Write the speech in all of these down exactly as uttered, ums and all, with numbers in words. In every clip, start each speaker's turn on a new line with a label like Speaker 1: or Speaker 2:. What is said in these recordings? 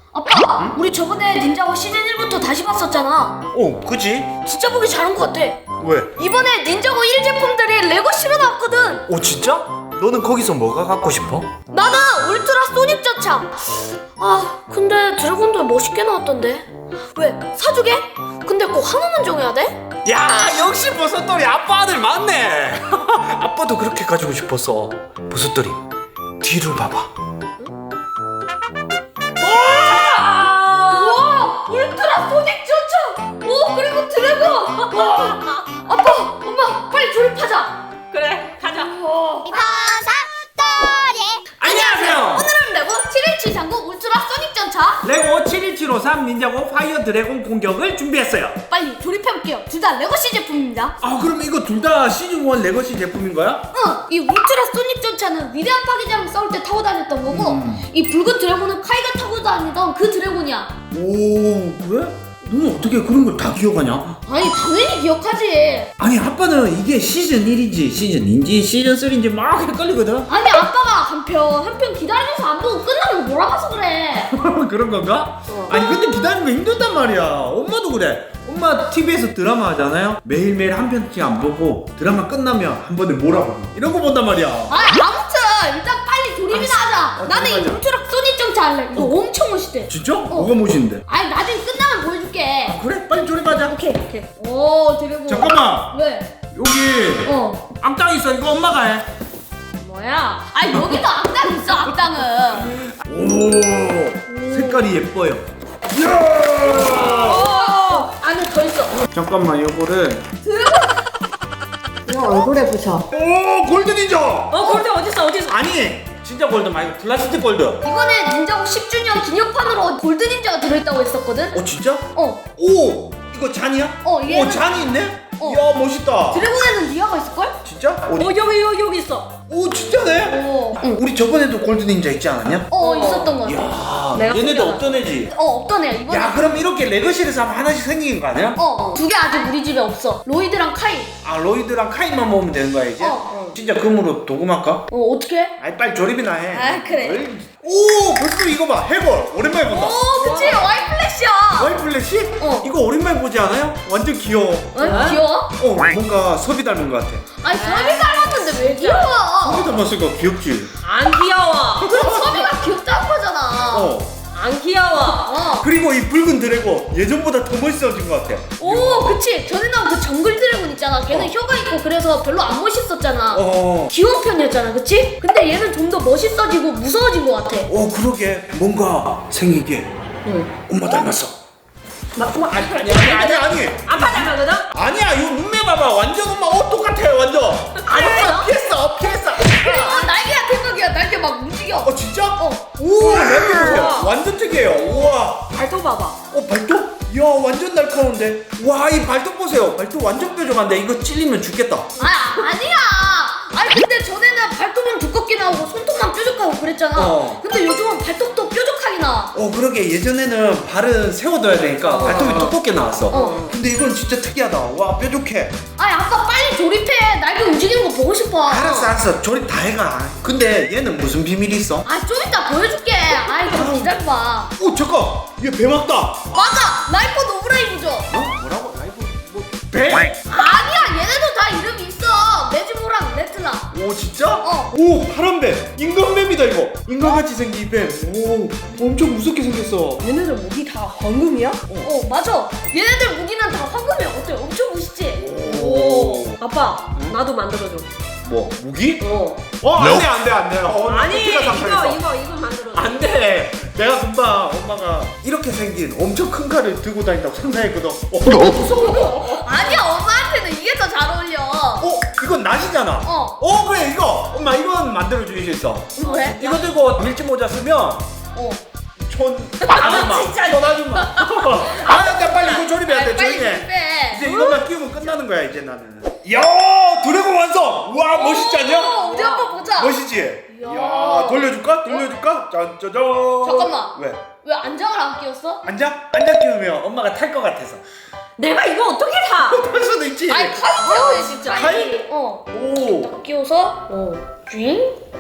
Speaker 1: 아빠,
Speaker 2: 응?
Speaker 1: 우리 저번에 닌자고 시즌 일부터 다시 봤었잖아.
Speaker 2: 어, 그지?
Speaker 1: 진짜 보기 잘한 것 같아.
Speaker 2: 왜?
Speaker 1: 이번에 닌자고 일 제품들이 레고 실어 나왔거든.
Speaker 2: 어, 진짜? 너는 거기서 뭐가 갖고 싶어?
Speaker 1: 나는 울트라 소닉 전차. 아, 근데 드래곤도 멋있게 나왔던데. 왜? 사주게? 근데 꼭 하나만 정해야 돼?
Speaker 2: 야, 역시 버섯돌이 아빠 아들 맞네. 아빠도 그렇게 가지고 싶었어. 버섯돌이 뒤를 봐봐.
Speaker 1: 우와! 울트라 소닉 전차! 오, 그리고 드래곤! 와. 아빠, 엄마, 빨리 조립하자.
Speaker 3: 그래, 가자.
Speaker 2: 안녕하세요.
Speaker 1: 오늘은 레고 칠일칠삼구 울트라 소닉 전차.
Speaker 4: 레고 칠일칠오삼 닌자고 파이어 드래곤 공격을 준비했어요.
Speaker 1: 빨리 조립해볼게요. 둘 다 레고시 제품입니다.
Speaker 4: 아, 그럼 이거 둘 다 시즌 일 레거시 제품인 거야?
Speaker 1: 응, 이 울트라 소닉 전차는 위대한 파괴자랑 싸울 때 타고 다녔던 거고,
Speaker 4: 음.
Speaker 1: 이 붉은 드래곤은 카이가 타고 다니던 그 드래곤이야.
Speaker 4: 오, 그래? 너는 어떻게 그런 걸 다 기억하냐?
Speaker 1: 아니, 당연히 기억하지.
Speaker 4: 아니, 아빠는 이게 시즌 일인지 시즌 이인지 시즌 삼인지 막 헷갈리거든?
Speaker 1: 아니, 아빠가 한 편 한 편 기다리면서 안 보고 끝나면 몰아가서 그래.
Speaker 4: 그런 건가?
Speaker 1: 어.
Speaker 4: 아니, 근데 기다리는 거 힘들단 말이야. 엄마도 그래. 엄마 티비에서 드라마 하잖아요? 매일매일 한 편씩 안 보고 드라마 끝나면 한 번에 몰아보고 이런 거 본단 말이야.
Speaker 1: 아, 아무튼 일단 빨리 조립이나 하자.
Speaker 4: 어,
Speaker 1: 나는 이
Speaker 4: 조립하자.
Speaker 1: 울트라 소닉 전차 할래. 이거 엄청 멋있대.
Speaker 4: 진짜? 뭐가 멋있는데?
Speaker 1: 아니, 나중에 끝나면 보여줄게.
Speaker 4: 그래, 빨리 조립하자.
Speaker 1: 오케이, 오케이. 오, 드래곤.
Speaker 4: 잠깐만.
Speaker 1: 왜?
Speaker 4: 여기
Speaker 1: 어.
Speaker 4: 악당 있어. 이거 엄마가 해.
Speaker 1: 뭐야? 아니, 여기도 악당 있어, 악당은.
Speaker 4: 오, 색깔이 예뻐요. 이야!
Speaker 1: 오, 안에 더 있어.
Speaker 4: 잠깐만, 요거를.
Speaker 1: 와, 얼굴에 부셔.
Speaker 4: 오, 골드 닌자!
Speaker 3: 어, 골드 어딨어, 어딨어?
Speaker 4: 아니, 진짜 골드 말고 플라스틱 골드.
Speaker 1: 이번에 닌자고 십 주년 기념판으로 골드 닌자가 들어있다고 했었거든?
Speaker 4: 어, 진짜?
Speaker 1: 어.
Speaker 4: 오, 이거 잔이야?
Speaker 1: 어, 얘는-
Speaker 4: 오, 잔이 있네?
Speaker 1: 어.
Speaker 4: 이야, 멋있다.
Speaker 1: 드래곤에는 니아가 있을걸?
Speaker 4: 진짜? 어디?
Speaker 3: 어, 여기, 여기, 여기 있어.
Speaker 4: 오, 진짜네?
Speaker 1: 어. 응.
Speaker 4: 우리 저번에도 골드 닌자 있지 않았냐?
Speaker 1: 어, 있었던 거 같아.
Speaker 4: 이야,
Speaker 3: 내가
Speaker 4: 얘네도
Speaker 3: 숨겨놨어.
Speaker 4: 없던 애지?
Speaker 1: 어, 없던 애야, 이번에.
Speaker 4: 야, 그럼 이렇게 레거시에서 하면 하나씩 생긴 거 아니야?
Speaker 1: 어, 두 개 아직 우리 집에 없어. 로이드랑 카이.
Speaker 4: 아, 로이드랑 카이만 모으면 되는 거야, 이제?
Speaker 1: 어.
Speaker 4: 진짜 금으로 도금할까?
Speaker 1: 어, 어떻게?
Speaker 4: 아이, 빨리 조립이나 해.
Speaker 1: 아, 그래.
Speaker 4: 어이. 오, 벌써 이거 봐. 해골. 오랜만에 본다.
Speaker 1: 오, 그치? 와이 플래시야.
Speaker 4: 와이 플래시?
Speaker 1: 어.
Speaker 4: 이거 오랜만에 보지 않아요? 완전 귀여워.
Speaker 1: 어, 귀여워?
Speaker 4: 어, 뭔가 섭이 닮은 것 같아.
Speaker 1: 아니, 서비 닮았는데 왜 귀여워?
Speaker 4: 섭이 닮았으니까 귀엽지?
Speaker 3: 안 귀여워.
Speaker 1: 그럼 서비가 귀엽다는 거잖아.
Speaker 4: 어.
Speaker 3: 안 귀여워.
Speaker 1: 어.
Speaker 4: 그리고 이 붉은 드래곤 예전보다 더 멋있어진 것 같아.
Speaker 1: 오, 그치. 전에 나온 그 정글 드래곤 있잖아. 걔는
Speaker 4: 어.
Speaker 1: 혀가 있고 그래서 별로 안 멋있었잖아.
Speaker 4: 어.
Speaker 1: 귀여운 편이었잖아, 그치? 근데 얘는 좀 더 멋있어지고 무서워진 것 같아.
Speaker 4: 어, 그러게. 뭔가 생긴 게
Speaker 1: 응.
Speaker 4: 엄마 닮았어.
Speaker 3: 막, 막,
Speaker 4: 아니, 아니, 아니, 아니, 아니.
Speaker 3: 아빠 닮았거든?
Speaker 4: 아니야, 이거 눈매 봐봐. 완전 엄마 옷 똑같아, 완전.
Speaker 1: 알았어요?
Speaker 4: 피했어, 피했어.
Speaker 1: 어, 날개가 대박이야. 날개 막 움직여.
Speaker 4: 어, 진짜?
Speaker 1: 어.
Speaker 4: 우와, 날개 보세요. 완전 특이해요. 우와.
Speaker 3: 발톱 봐봐.
Speaker 4: 어, 발톱? 이야, 완전 날카로운데. 와, 이 발톱 보세요. 발톱 완전 뾰족한데 이거 찔리면 죽겠다.
Speaker 1: 아, 아니야. 아니, 근데 전에는 발톱은 두껍게 나오고 손톱만 뾰족하고 그랬잖아.
Speaker 4: 어.
Speaker 1: 근데 요즘은 발톱도 뾰족하게 나와.
Speaker 4: 어, 그러게. 예전에는 발은 세워둬야 되니까 발톱이 두껍게 나왔어.
Speaker 1: 어.
Speaker 4: 근데 이건 진짜 특이하다. 와, 뾰족해.
Speaker 1: 아니, 아빠 빨리 조립해. 날개 움직이는 거 보고 싶어.
Speaker 4: 알았어, 알았어. 조립 다 해가. 근데 얘는 무슨 비밀이 있어?
Speaker 1: 아, 좀 이따 보여줄게. 아이, 좀 기다려봐.
Speaker 4: 오, 잠깐. 얘 배 맞다.
Speaker 1: 맞아! 라이프 노브레이브죠?
Speaker 4: 어? 뭐라고? 라이브 뭐 배?
Speaker 1: 아니야, 얘네도 다 이름이 있어. 메지모랑 레트나.
Speaker 4: 오, 진짜?
Speaker 1: 어.
Speaker 4: 오, 파란 뱀. 인간뱀이다 이거. 인간같이 생긴 뱀. 오, 엄청 무섭게 생겼어.
Speaker 3: 얘네들 목이 다 황금이야?
Speaker 1: 어, 맞아. 얘네들 무기는 다 황금이야. 어때? 엄청 멋있지?
Speaker 4: 오.
Speaker 3: 아빠, 나도 만들어줘.
Speaker 4: 뭐 무기?
Speaker 3: 어.
Speaker 4: 어, 안돼 안돼 안돼. 어,
Speaker 3: 아니,
Speaker 4: 패티가
Speaker 3: 이거,
Speaker 4: 상상했어.
Speaker 3: 이거, 이거 만들어줘.
Speaker 4: 안돼. 내가 금방 엄마가 이렇게 생긴 엄청 큰 칼을 들고 다닌다고 상상했거든. 어,
Speaker 1: 무서워. 아니야, 엄마한테는 이게 더 잘 어울려.
Speaker 4: 어, 이건 낫이잖아.
Speaker 1: 어.
Speaker 4: 어, 그래 이거. 엄마 이건 만들어 주실 수 있어.
Speaker 1: 왜?
Speaker 4: 이거 들고 밀짚 모자 쓰면
Speaker 1: 어.
Speaker 4: 촌 아줌마.
Speaker 3: 진짜.
Speaker 4: 촌 아줌마. 아, 나 빨리 이거 조립해야 돼.
Speaker 1: 빨리
Speaker 4: 조용히 해.
Speaker 1: 조립해.
Speaker 4: 이제 이것만 끼우면 끝나는 거야 이제 나는. 야, 드래곤 완성. 와, 멋있지 않냐?
Speaker 1: 어, 어디 한번 보자.
Speaker 4: 멋있지?
Speaker 1: 이야.
Speaker 4: 이야, 돌려줄까? 돌려줄까? 짠짜잔.
Speaker 1: 잠깐만.
Speaker 4: 왜?
Speaker 1: 왜 안장을 안 끼웠어?
Speaker 4: 앉아? 앉아 끼우면 엄마가 탈 것 같아서.
Speaker 3: 내가 이거 어떻게 타?
Speaker 4: 탈 수도 있지.
Speaker 1: 아니, 칼이 태워야 진짜.
Speaker 4: 칼?
Speaker 1: 어.
Speaker 4: 오.
Speaker 1: 딱 끼워서, 어. 쥐잉?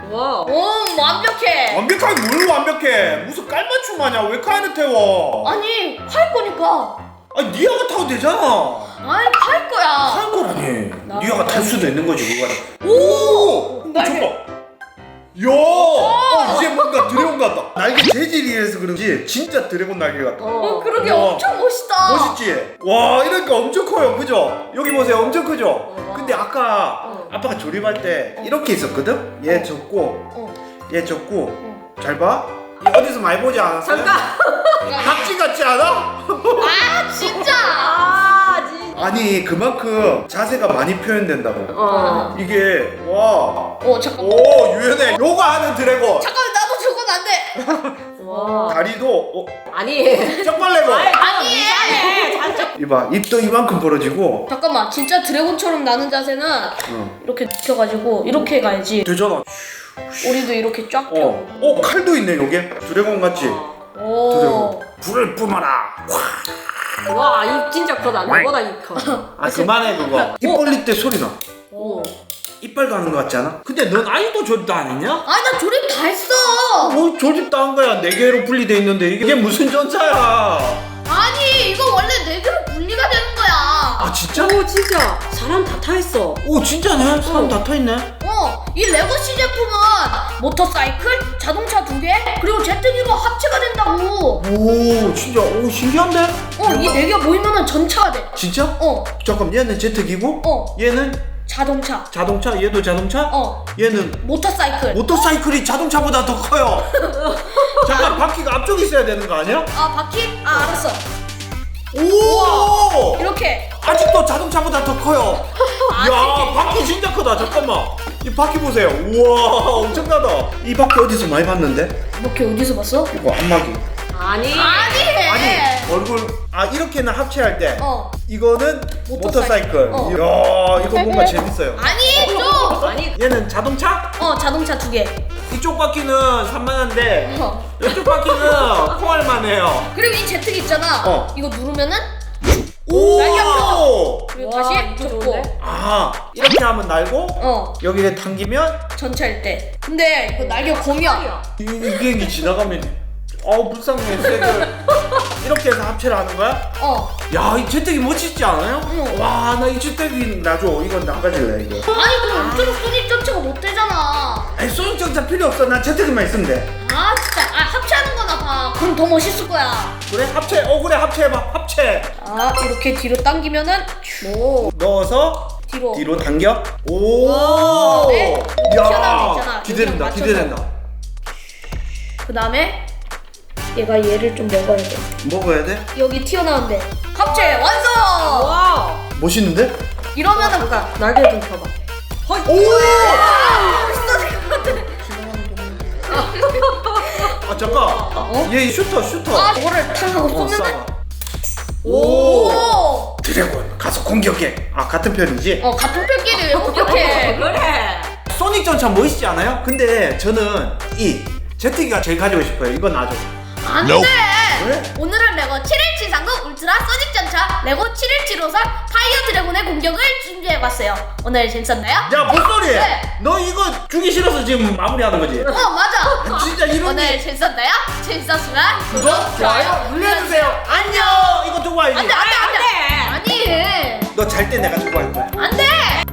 Speaker 3: 와.
Speaker 1: 오 완벽해.
Speaker 4: 완벽하게 뭘 완벽해? 무슨 깔맞춤 마냐? 왜 카인을 태워?
Speaker 1: 아니 팔 거니까.
Speaker 4: 아니 니아가 타도 되잖아.
Speaker 1: 아니 팔 거야.
Speaker 4: 탈 거라니.
Speaker 3: 나-
Speaker 4: 니아가 탈 수도 있는 거지 그거는.
Speaker 1: 오.
Speaker 4: 어, 저거. 야, 어, 이제 뭔가 드래곤 같다. 날개 재질이 이래서 그런지 진짜 드래곤 날개 같다.
Speaker 1: 어 그러게
Speaker 4: 우와.
Speaker 1: 엄청 멋있다.
Speaker 4: 멋있지? 와, 이러니까 엄청 커요, 그죠? 여기 보세요, 엄청 크죠?
Speaker 3: 어.
Speaker 4: 근데 아까
Speaker 1: 어.
Speaker 4: 아빠가 조립할 때 이렇게 있었거든? 얘 접고,
Speaker 1: 어.
Speaker 4: 얘 접고,
Speaker 1: 어.
Speaker 4: 잘 봐. 이 어디서 많이 보지 않았어요?
Speaker 3: 잠깐.
Speaker 4: 박쥐 같지 않아?
Speaker 1: 아 진짜.
Speaker 3: 아, 진짜.
Speaker 4: 아니, 그만큼 자세가 많이 표현된다고.
Speaker 3: 어.
Speaker 4: 이게, 와.
Speaker 1: 어 잠깐.
Speaker 4: 오, 유연해. 요가 하는 드래곤.
Speaker 1: 잠깐 나도 저건 안 돼.
Speaker 3: 와.
Speaker 4: 다리도, 어,
Speaker 3: 아니.
Speaker 4: 쪽발레고.
Speaker 1: 아니.
Speaker 3: 이상해. 잘
Speaker 4: 이봐, 입도 이만큼 벌어지고.
Speaker 1: 잠깐만 진짜 드래곤처럼 나는 자세는
Speaker 4: 어.
Speaker 1: 이렇게 눕혀가지고 이렇게 가야지.
Speaker 4: 되잖아.
Speaker 1: 우리도 이렇게 쫙 펴.
Speaker 4: 어, 어 칼도 있네 여기 드래곤 같지?
Speaker 1: 오.
Speaker 4: 드래곤 불을 뿜어라.
Speaker 3: 와, 입 진짜 크다. 나보다 입 커.
Speaker 4: 아 그만해 그거. 입 벌릴 때 소리 나.
Speaker 3: 오.
Speaker 4: 이빨 가는 거 같지 않아? 근데 넌 아직도 조립도 안 했냐?
Speaker 1: 아니 나 조립 다 했어.
Speaker 4: 뭐 조립도 한 거야. 네 개로 분리돼 있는데 이게 무슨 전차야?
Speaker 1: 아니 이거 원래 네 개로 분리가 되는 거야.
Speaker 4: 아 진짜?
Speaker 3: 오, 진짜. 사람 다 타 있어.
Speaker 4: 오 진짜네. 사람 다 타 있네.
Speaker 1: 어, 이 레고시 제품은 모터사이클, 자동차 두 개, 그리고 제트기가 합체가 된다고.
Speaker 4: 오 진짜 오 신기한데?
Speaker 1: 어, 이 네 개 모이면은 전차가 돼.
Speaker 4: 진짜?
Speaker 1: 어,
Speaker 4: 잠깐 얘는 제트기고
Speaker 1: 어.
Speaker 4: 얘는
Speaker 1: 자동차.
Speaker 4: 자동차 얘도 자동차
Speaker 1: 어,
Speaker 4: 얘는
Speaker 1: 모터사이클.
Speaker 4: 모터사이클이 자동차보다 더 커요. 잠깐 바퀴가 앞쪽에 있어야 되는 거 아니야?
Speaker 1: 아, 바퀴? 아, 알았어.
Speaker 4: 오!
Speaker 1: 이렇게.
Speaker 4: 아직도 자동차보다 더 커요. 야, 바퀴 진짜 크다. 잠깐만. 이 바퀴 보세요. 우와, 엄청나다. 이 바퀴 어디서 많이 봤는데?
Speaker 1: 이렇게 어디서 봤어?
Speaker 4: 이거 안마기.
Speaker 3: 아니.
Speaker 1: 아니.
Speaker 4: 아니, 얼굴 아 이렇게는 합체할 때.
Speaker 1: 어.
Speaker 4: 이거는
Speaker 1: 모터사이클.
Speaker 4: 모터사이클.
Speaker 1: 어.
Speaker 4: 이야, 이거 뭔가 재밌어요.
Speaker 1: 아니, 좀.
Speaker 3: 아니.
Speaker 4: 얘는 자동차?
Speaker 1: 어, 자동차 두 개.
Speaker 4: 이쪽 바퀴는 산만한데
Speaker 1: 어.
Speaker 4: 이쪽 바퀴는 콩알만해요.
Speaker 1: 그리고 이 제트기 있잖아.
Speaker 4: 어.
Speaker 1: 이거 누르면은 날개
Speaker 4: 오!
Speaker 1: 그리고
Speaker 3: 와,
Speaker 1: 다시
Speaker 3: 이거
Speaker 1: 접고.
Speaker 3: 좋은데?
Speaker 4: 아, 이렇게 하면 날고
Speaker 1: 어,
Speaker 4: 여기에 당기면
Speaker 1: 전차일 때. 근데 이거 날개 공이야.
Speaker 4: 이, 이 비행기 지나가면 어우 불쌍해 쟤들. 이렇게 해서 합체를 하는 거야?
Speaker 1: 어.
Speaker 4: 야, 이 제트기 멋있지 않아요?
Speaker 1: 응.
Speaker 4: 와, 나 이 제트기 놔줘. 이건 나 가질래 이거.
Speaker 1: 아니 그럼 엄청 소닉 전차가 못 되잖아.
Speaker 4: 아니 소형 정차 필요 없어. 난 제트기만 있으면 돼.
Speaker 1: 아 진짜. 아 합체하는 거나 봐. 그럼 더 멋있을 거야.
Speaker 4: 그래? 합체. 어 그래 합체해봐. 합체.
Speaker 1: 아 이렇게 뒤로 당기면은 오
Speaker 4: 넣어서
Speaker 1: 뒤로.
Speaker 4: 뒤로 당겨. 오.
Speaker 1: 네. 튀어나온 데 있잖아.
Speaker 4: 기대된다.
Speaker 1: 여기랑
Speaker 4: 기대된다.
Speaker 1: 그 다음에 얘가 얘를 좀 먹어야 돼.
Speaker 4: 먹어야 돼?
Speaker 1: 여기 튀어나온데. 합체 완성.
Speaker 3: 와.
Speaker 4: 멋있는데?
Speaker 1: 이러면은
Speaker 3: 잠깐. 날개 좀 펴봐.
Speaker 4: 오!
Speaker 1: 멋있어질
Speaker 4: 아 잠깐.
Speaker 1: 어?
Speaker 4: 얘 슈터 슈터.
Speaker 1: 아 이거를 탁 하고
Speaker 4: 어,
Speaker 1: 쏘면은.
Speaker 4: 쏴봐. 오.
Speaker 1: 오.
Speaker 4: 드래곤 가서 공격해. 아 같은 편이지?
Speaker 1: 어 같은 편끼리 왜 공격해?
Speaker 3: 그래.
Speaker 4: 소닉 전차 멋있지 않아요? 근데 저는 이 제트기가 제일 가지고 싶어요. 이건 놔줘.
Speaker 1: 안 돼!
Speaker 4: 왜?
Speaker 1: 오늘은 레고 칠일칠삼구 울트라 소닉 전차 레고 칠일칠오삼 파이어 드래곤의 공격을 준비해봤어요. 오늘 재밌었나요?
Speaker 4: 야, 뭔 소리?
Speaker 1: 네.
Speaker 4: 너 이거 주기 싫어서 지금 마무리하는 거지?
Speaker 1: 어 맞아!
Speaker 4: 진짜 이런
Speaker 1: 오늘
Speaker 4: 게
Speaker 1: 재밌었나요? 재밌었으면
Speaker 4: 구독, 좋아요 눌러주세요. 안녕. 이거 두고 와야지.
Speaker 1: 안돼 안돼 안돼! 아니!
Speaker 4: 너 잘 때 내가 두고 할 거야.
Speaker 1: 안돼!